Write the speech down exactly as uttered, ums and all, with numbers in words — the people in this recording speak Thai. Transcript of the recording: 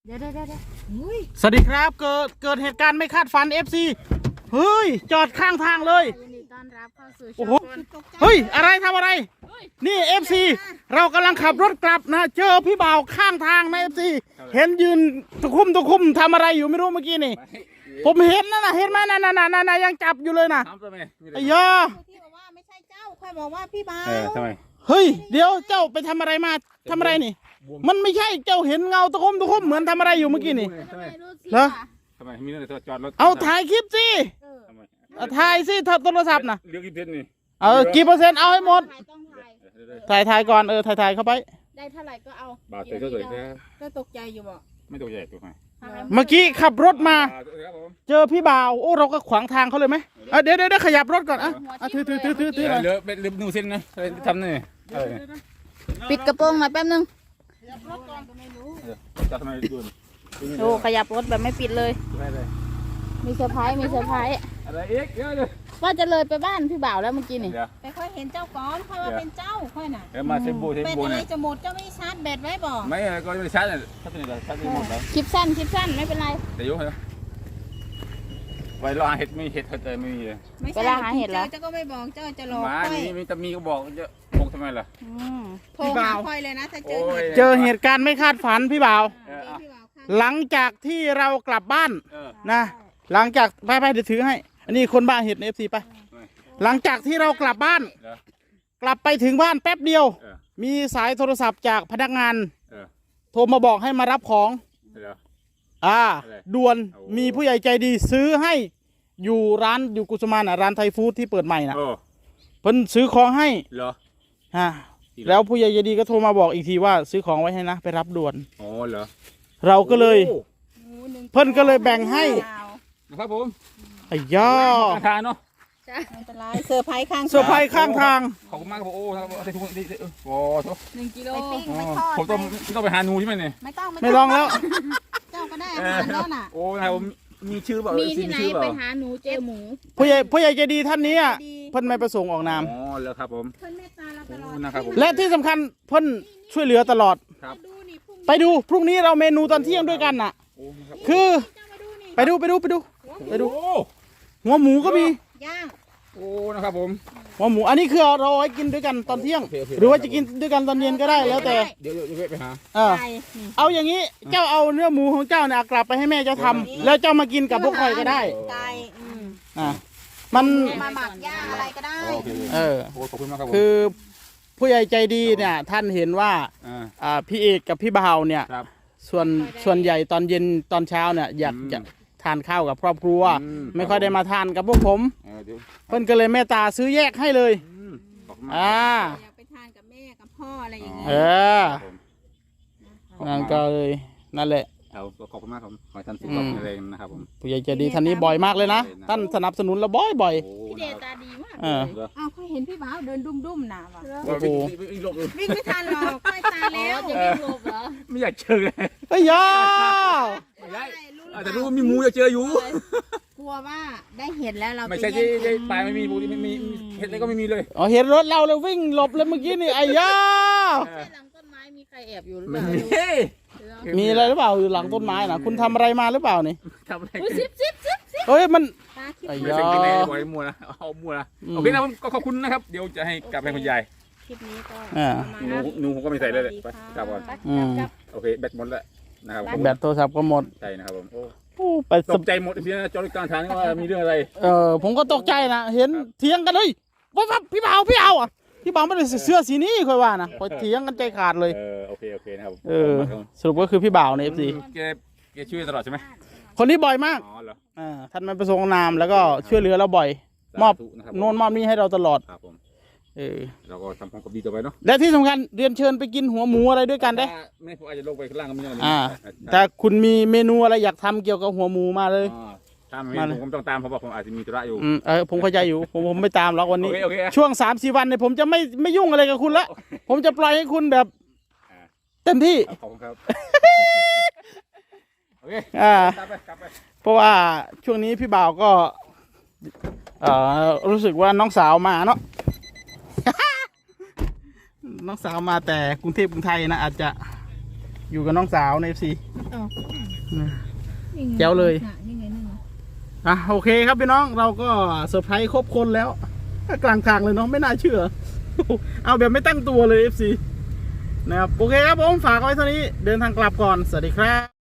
เดี๋ยวเดี๋ยวเดี๋ยวสวัสดีครับเกิดเกิดเหตุการณ์ไม่คาดฝัน เอฟ ซี เฮ้ยจอดข้างทางเลยยินดีต้อนรับเข้าสู่ช่โอ้องโหเฮ้ยอะไรทำอะไรนี่ เอฟ ซี เรากำลังขับรถกลับนะเจอพี่บ่าวข้างทางนะ เอฟ ซี เห็นยืนตะคุ่มตะคุ่มทำอะไรอยู่ไม่รู้เมื่อกี้นี่ผมเห็นนะนะเห็นไหมนั่นนั่นนั่นยังจับอยู่เลยนะไอ้ยาที่บอกว่าไม่ใช่เจ้าค่อยบอกว่าพี่บ่าวทำไมเฮ้ยเดี๋ยวเจ้าไปทำอะไรมาทำอะไรนี่มันไม่ใช่เจ้าเห็นเงาตะคุ่มตะคุ่มเหมือนทำอะไรอยู่เมื่อกี้นี่เหรอทำไมมีเรื่องจอดรถเอาถ่ายคลิปสิถ่ายสิโทรศัพท์นะเรื่องกี่เปอร์เซ็นต์นี่เออกี่เปอร์เซ็นต์เอาให้หมดต้องถ่ายถ่ายถ่ายก่อนเออถ่ายถ่ายเข้าไปได้เท่าไหร่ก็เอาบาทเตยก็สวยแค่ก็ตกใจอยู่บ่ไม่ตกใจตัวไหนเมื่อกี้ขับรถมาเจอพี่บ่าวโอ้เราก็ขวางทางเขาเลยไหมเดี๋ยวเดี๋ยวขยับรถก่อนอ่ะถือถือถือถือถือเลือเป็นลืมนูเส้นนะทำนี่ปิดกระโปรงหน่อยแป๊บนึงจะทำไมดูโอ้ขยับรถแบบไม่ปิดเลยมีเซอร์ไพรส์มีเซอร์ไพรส์อะไรอีกเยอะเลยว่าจะเลยไปบ้านพี่บ่าวแล้วเมื่อกี้นี่ไปค่อยเห็นเจ้าก้อนค่อยว่าเป็นเจ้าค่อยน่ะเดี๋ยวมาเซบูเซบูเนี่ยเป็นอะไรจะหมดเจ้าไม่ชาร์จแบตไว้บ่ไม่ก็ไม่ชาร์จเลยชาร์จนี่เลยชาร์จหมดแล้วคลิปสั้นคลิปสั้นไม่เป็นไรเดี๋ยวเหรอไว้รอเห็ดไม่เห็ดเธอไม่มีเลยเวลาหาเห็ดแล้วเจ้าก็ไม่บอกเจ้าจะรอมานี่มีแต่มีก็บอกจะบอกทำไมล่ะโทรหาค่อยเลยนะถ้าเจอเจอเหตุการณ์ไม่คาดฝันพี่บ่าวหลังจากที่เรากลับบ้านนะหลังจากไปไปเดี๋ยวถือให้อันนี้คนบ้าเห็ดในเอฟซีไปหลังจากที่เรากลับบ้านกลับไปถึงบ้านแป๊บเดียวมีสายโทรศัพท์จากพนักงานโทรมาบอกให้มารับของอ่าด่วนมีผู้ใหญ่ใจดีซื้อให้อยู่ร้านอยู่กุสุมานร้านไทยฟู้ดที่เปิดใหม่นะเพิ่นซื้อของให้เหรอฮะแล้วผู้ใหญ่ใจดีก็โทรมาบอกอีกทีว่าซื้อของไว้ให้นะไปรับด่วนอ๋อเหรอเราก็เลยเพิ่นก็เลยแบ่งให้นะครับผมไอ้ย่อทางเนาะอันตรายเซอร์ไพรส์ข้างเซอร์ไพรส์ข้างทางขอบคุณมากครับโอ้ครับใส่ถุงนี่โอ้โหหนึ่งกิโลผมต้องต้องไปหาหนูใช่ไหมเนี่ยไม่ต้องไม่ลองแล้วเจ้าก็ได้อาหารแล้วน่ะโอ้ยมีชื่อเปล่ามีที่ไหนไปหาหนูเจอหมูผู้ใหญ่ผู้ใหญ่ใจดีท่านนี้เพิ่นไม่ประสงค์ออกนามอ๋อแล้วครับผมเพิ่นเมตตาเราตลอดนะครับผมและที่สำคัญเพิ่นช่วยเหลือตลอดครับไปดูพรุ่งนี้เราเมนูตอนเที่ยงด้วยกันน่ะคือไปดูไปดูไปดูไปดูหัวหมูก็มีย่างโอ้นะครับผมหัวหมูอันนี้คือเราเอาไว้กินด้วยกันตอนเที่ยงหรือว่าจะกินด้วยกันตอนเย็นก็ได้แล้วแต่เดี๋ยวเดี๋ยวไปหาเออเอาอย่างนี้เจ้าเอาเนื้อหมูของเจ้าเนี่ยกลับไปให้แม่เจ้าทำแล้วเจ้ามากินกับพวกใครก็ได้ไก่อ่ามันมาหมักย่างอะไรก็ได้เออขอบคุณมากครับคือผู้ใหญ่ใจดีเนี่ยท่านเห็นว่าอ่าพี่เอกกับพี่บ่าวเนี่ยส่วนส่วนใหญ่ตอนเย็นตอนเช้าเนี่ยอยากจะทานข้าวกับครอบครัวไม่ค่อยได้มาทานกับพวกผมเพิ่นก็เลยเมตตาซื้อแยกให้เลยอ่าอยากไปทานกับแม่กับพ่ออะไรอย่างเงี้ยเออนั่นก็เลยนั่นแหละขอบคุณมากครับขอท่านสุขภาพแข็งแรงนะครับผมผู้ใหญ่ใจดีท่านนี้บ่อยมากเลยนะท่านสนับสนุนเราบ่อยบ่อยพี่เดตาดีมากเอออ้าวค่อยเห็นพี่บ่าวเดินดุ้มๆน่ะว่ะโอ้โหวิ่งไม่ทันหรอกค่อยตายแล้วจะวิ่งหลบเหรอไม่อยากเจอเลยเฮ้ยย่าแต่รู้ว่ามีหมูอยากเจออยู่กลัวว่าได้เห็นแล้วเราไม่ใช่ที่ปลายไม่มีบูไม่มีเห็ดอะไรก็ไม่มีเลยอ๋อเห็นรถเราแล้ววิ่งหลบเลยเมื่อกี้นี่ไอ้ย่าหลังต้นไม้มีใครแอบอยู่หรือเปล่ามีอะไรหรือเปล่าอยู่หลังต้นไม้นะคุณทำอะไรมาหรือเปล่านี่ทำอะไรซิบซิบซิบซิบเฮ้ยมันไอ้ย่าไว้มัวนะเอามัวนะโอเคนะก็ขอบคุณนะครับเดี๋ยวจะให้กลับไปคุณยายคลิปนี้ก็หนูหนูผมก็ไม่ใส่เลยไปกลับก่อนโอเคแบตหมดแล้วนะครับแบตโทรศัพท์ก็หมดใช่นะครับผมไปตกใจหมดเพียงจอดกลางทางนี่ว่ามีเรื่องอะไรเออผมก็ตกใจนะเห็นเถียงกันเลยว่าพี่บ่าวพี่เอาอ่ะพี่บ่าวไม่ได้เสื้อสีนี้ค่อยว่านะคอยเถียงกันใจขาดเลยเออโอเคโอเคนะครับเออสรุปก็คือพี่บ่าวในเอฟซีแกแกช่วยตลอดใช่ไหมคนนี้บ่อยมากอ๋อเหรออ่าท่านไม่ประสงค์นามแล้วก็ช่วยเหลือเราบ่อยมอบโน่นมอบนี้ให้เราตลอดครับผมเออเราก็ทำความดีต่อไปเนาะและที่สำคัญเรียนเชิญไปกินหัวหมูอะไรด้วยกันได้ไม่ผมอาจจะลงไปข้างล่างก็ไม่ได้อ่าแต่คุณมีเมนูอะไรอยากทำเกี่ยวกับหัวหมูมาเลยตามผมต้องตามเพราะว่าผมอาจจะมีธุระอยู่เออผมเข้าใจอยู่ผมผมไม่ตามหรอกวันนี้ช่วงสามสี่วันเนี่ยผมจะไม่ไม่ยุ่งอะไรกับคุณละผมจะปล่อยให้คุณแบบเต็มที่ขอบคุณครับโอเคอ่าเพราะว่าช่วงนี้พี่บ่าวก็เอ่อรู้สึกว่าน้องสาวมาเนาะ น้องสาวมาแต่กรุงเทพกรุงไทยนะอาจจะอยู่กับน้องสาวในเอฟซีอ๋อแจ๋วเลยนี่ไงนั่นน่ะอ่ะโอเคครับพี่น้องเราก็เซอร์ไพรส์ครบคนแล้ว กลางทางเลยเนาะไม่น่าเชื่อ เอาแบบไม่ตั้งตัวเลย เอฟ ซี นะครับโอเคครับผมฝากไว้เท่านี้เดินทางกลับก่อนสวัสดีครับ